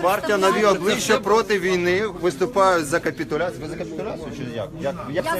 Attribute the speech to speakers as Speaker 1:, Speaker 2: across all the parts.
Speaker 1: Партія «Нові обличчя» проти війни виступають за капітуляцію. Ви за капітуляцію чи як?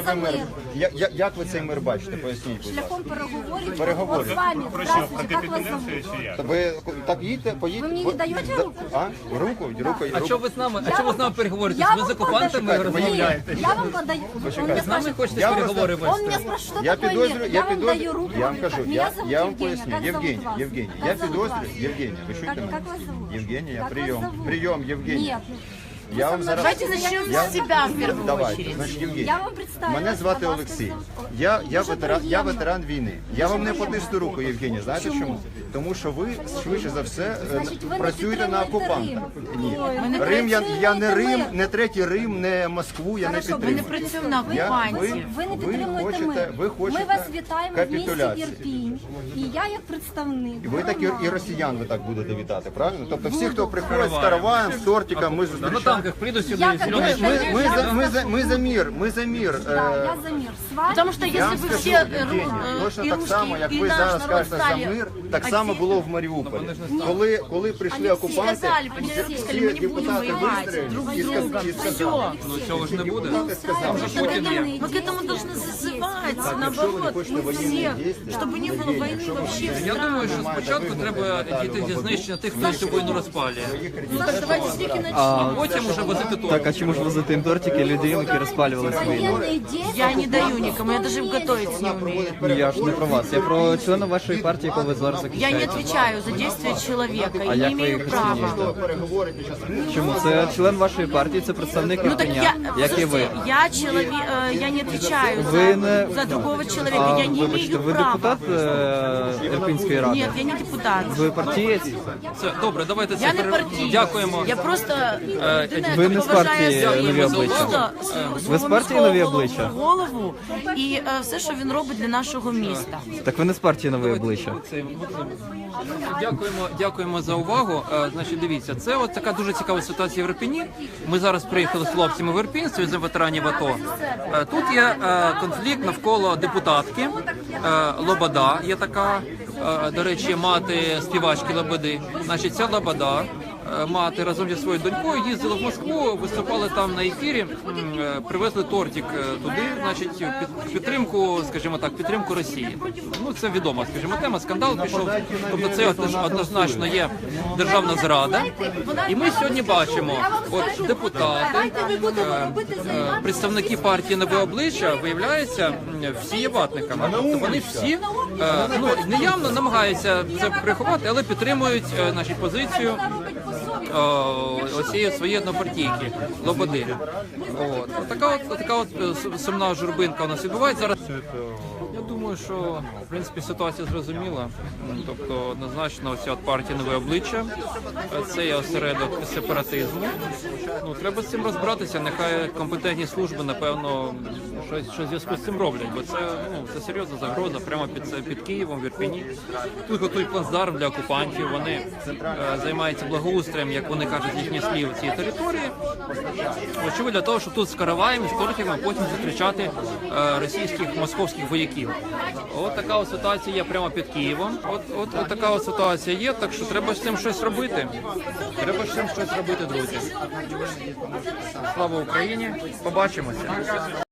Speaker 1: Як ви цей мир бачите? Поясніть, будь ласка.
Speaker 2: Шляхом переговорів.
Speaker 1: Переговорів.
Speaker 2: От з вами. Здравствуйте, як вас зовут?
Speaker 1: Ви так їдьте, поїдьте.
Speaker 2: Ви мені не даєте руку?
Speaker 1: А? Руку?
Speaker 3: А що ви з нами? А що ви з нами переговорите? Ви з окупантами розмовляєте?
Speaker 2: Я вам подаю.
Speaker 3: З нами хочете переговори
Speaker 2: Он меня
Speaker 3: вести?
Speaker 2: спрашивает, что
Speaker 1: Я
Speaker 2: такое
Speaker 1: підозрюю,
Speaker 2: нет.
Speaker 1: я
Speaker 2: вам
Speaker 1: підозрюю,
Speaker 2: даю руку.
Speaker 1: я вам кажу,
Speaker 2: Меня зовут
Speaker 1: я вам
Speaker 2: Евгения.
Speaker 1: поясню.
Speaker 2: Как
Speaker 1: Євгеній,
Speaker 2: зовут вас?
Speaker 1: Євгеній,
Speaker 2: Как
Speaker 1: я
Speaker 2: зовут
Speaker 1: підозрюю,
Speaker 2: вас?
Speaker 1: Євгеній, ви чуєте
Speaker 2: Как
Speaker 1: мене?
Speaker 2: вас зовут?
Speaker 1: Євгенія,
Speaker 2: Как
Speaker 1: прийом,
Speaker 2: вас зовут?
Speaker 1: прийом, Євгеній.
Speaker 2: Нет.
Speaker 1: Я вам зараз...
Speaker 4: Давайте начнем с себя в первую
Speaker 1: Давайте,
Speaker 4: очередь.
Speaker 1: значить, Євгеній.
Speaker 2: Я вам представлю.
Speaker 1: Мене звати Олексій. Я
Speaker 2: приємно.
Speaker 1: ветеран війни. Я вам не потисну руку, Євгеній. Знаєте чому? Тому що ви, швидше за все,
Speaker 2: Значить, ви не
Speaker 1: працюєте на
Speaker 2: підтримуєте
Speaker 1: окупанта. Ні.
Speaker 2: Ми не
Speaker 1: Рим, я не Рим,
Speaker 2: мир.
Speaker 1: не третій Рим, не Москву, я не
Speaker 2: Хорошо,
Speaker 4: Ми не
Speaker 1: підтримую.
Speaker 4: працюємо на окупанті.
Speaker 2: Ви не підтримуєте мир.
Speaker 1: Ви хочете
Speaker 2: Ми вас вітаємо в місті
Speaker 1: капітуляції.
Speaker 2: Ірпінь. І я як представник.
Speaker 1: І ви так і росіян ви так будете вітати, правильно? Тобто всі, хто приходить з
Speaker 3: Караваєм.
Speaker 1: караваєм, з тортиком, ми
Speaker 3: На
Speaker 1: зустрічаємо.
Speaker 3: танках прийду сюди,
Speaker 2: Я
Speaker 3: зелений
Speaker 2: как
Speaker 1: Ми за мир, ми за мир.
Speaker 2: Да, я за мир. С вами.
Speaker 4: Потому что
Speaker 1: Я
Speaker 4: если
Speaker 1: вам
Speaker 4: бы
Speaker 1: скажу,
Speaker 4: все
Speaker 1: Євгенія, точно
Speaker 4: и
Speaker 1: так само,
Speaker 4: русские,
Speaker 1: як
Speaker 4: и
Speaker 1: ви
Speaker 4: наш
Speaker 1: зараз
Speaker 4: народ
Speaker 1: кажете за
Speaker 4: стали
Speaker 1: мир, так само було в Маріуполі. Коли прийшли окупанти,
Speaker 4: сказали, сказали,
Speaker 1: всі
Speaker 4: ми не будемо
Speaker 1: депутати
Speaker 4: воювати
Speaker 1: вистрілили
Speaker 4: друг з
Speaker 1: і
Speaker 4: другом.
Speaker 1: сказали.
Speaker 3: Ну цього ж не буде.
Speaker 1: Депутати сказали,
Speaker 3: Там же
Speaker 1: що
Speaker 3: Путін є.
Speaker 4: Мы к этому должны зазывать,
Speaker 1: якщо ви не
Speaker 4: наоборот,
Speaker 1: хочете
Speaker 4: мы
Speaker 1: воєнних
Speaker 4: все,
Speaker 1: дій,
Speaker 4: чтобы не было войны вообще в
Speaker 3: Я думаю,
Speaker 4: странах.
Speaker 3: що спочатку треба дійти зі знищення тих, хто цю війну розпалює.
Speaker 4: Саша, давайте с Вики начнем.
Speaker 3: А потім уже возити торт.
Speaker 5: Так, а чому ж возити їм тортики людям, які розпалювалися війну?
Speaker 2: Военные действия.
Speaker 4: Я не даю никому, я даже им готовить не умею.
Speaker 5: Я ж не про вас, я про члена вашої партії, яку ви зараз
Speaker 4: Я не
Speaker 5: захищаєте.
Speaker 4: отвечаю за действия человека и не
Speaker 5: як ви
Speaker 4: имею
Speaker 5: їх
Speaker 4: права.
Speaker 5: оцінюєте?
Speaker 1: переговорити зараз.
Speaker 5: Чому? Це член вашої партії, це представник
Speaker 4: Ну так
Speaker 5: Ірпеня, як і ви.
Speaker 4: я человек, я не отвечаю
Speaker 5: Ви не...
Speaker 4: за другого человека, я не
Speaker 5: Вибачте,
Speaker 4: имею
Speaker 5: ви
Speaker 4: права.
Speaker 5: депутат Ірпінської ради?
Speaker 4: Нет, я не депутат.
Speaker 5: Ви партієць?
Speaker 3: Все, добре, давайте це
Speaker 4: Я не партійна.
Speaker 3: Дякуємо.
Speaker 4: Я просто людина,
Speaker 5: Ви
Speaker 4: яка
Speaker 5: не з
Speaker 4: поважає
Speaker 5: партії
Speaker 3: «Нові
Speaker 4: свого
Speaker 3: обличчя»?
Speaker 4: міста,
Speaker 5: Ви з партії «Нові обличчя»?
Speaker 4: голову і все, що він робить для нашого міста.
Speaker 5: Так ви не з партії «Нові обличчя».
Speaker 3: Дякуємо за увагу. Значить, дивіться, це от така дуже цікава ситуація в Ірпені. Ми зараз приїхали з хлопцями в Ірпінь, з ветеранів АТО. Тут є конфлікт навколо депутатки Лобода. Є така, до речі, мати співачки Лободи. Значить, ця Лобода, мати разом зі своєю донькою їздила в Москву, виступали там на ефірі, привезли тортик туди, значить, підтримку, скажімо так, підтримку Росії. Ну, це відома, скажімо, тема, скандал пішов. Тобто це однозначно є державна зрада. І ми сьогодні бачимо, от депутати, представники партії «Нове обличчя», виявляється, всі є ватниками. Тобто вони всі, ну, неявно намагаються це приховати, але підтримують нашу позицію оцієї своєї однопартійки Лободи. От. Така от сумна журбинка у нас відбувається зараз. Я думаю, що в принципі ситуація зрозуміла. Тобто однозначно ця партія «Нове обличчя» це є осередок сепаратизму. Ну, треба з цим розбиратися. Нехай компетентні служби, напевно, щось в зв'язку з цим роблять, бо це, ну, це серйозна загроза прямо під Києвом, в Ірпені. Тут готують плацдарм для окупантів. Вони займаються благоустроєм, як вони кажуть, їхні слів цієї території. Очевидно, для того, щоб тут з караваєм, з тортиками потім зустрічати російських, московських вояків. От така от ситуація є прямо під Києвом. От така от ситуація є, так що треба з цим щось робити. Треба з цим щось робити, друзі. Слава Україні! Побачимося!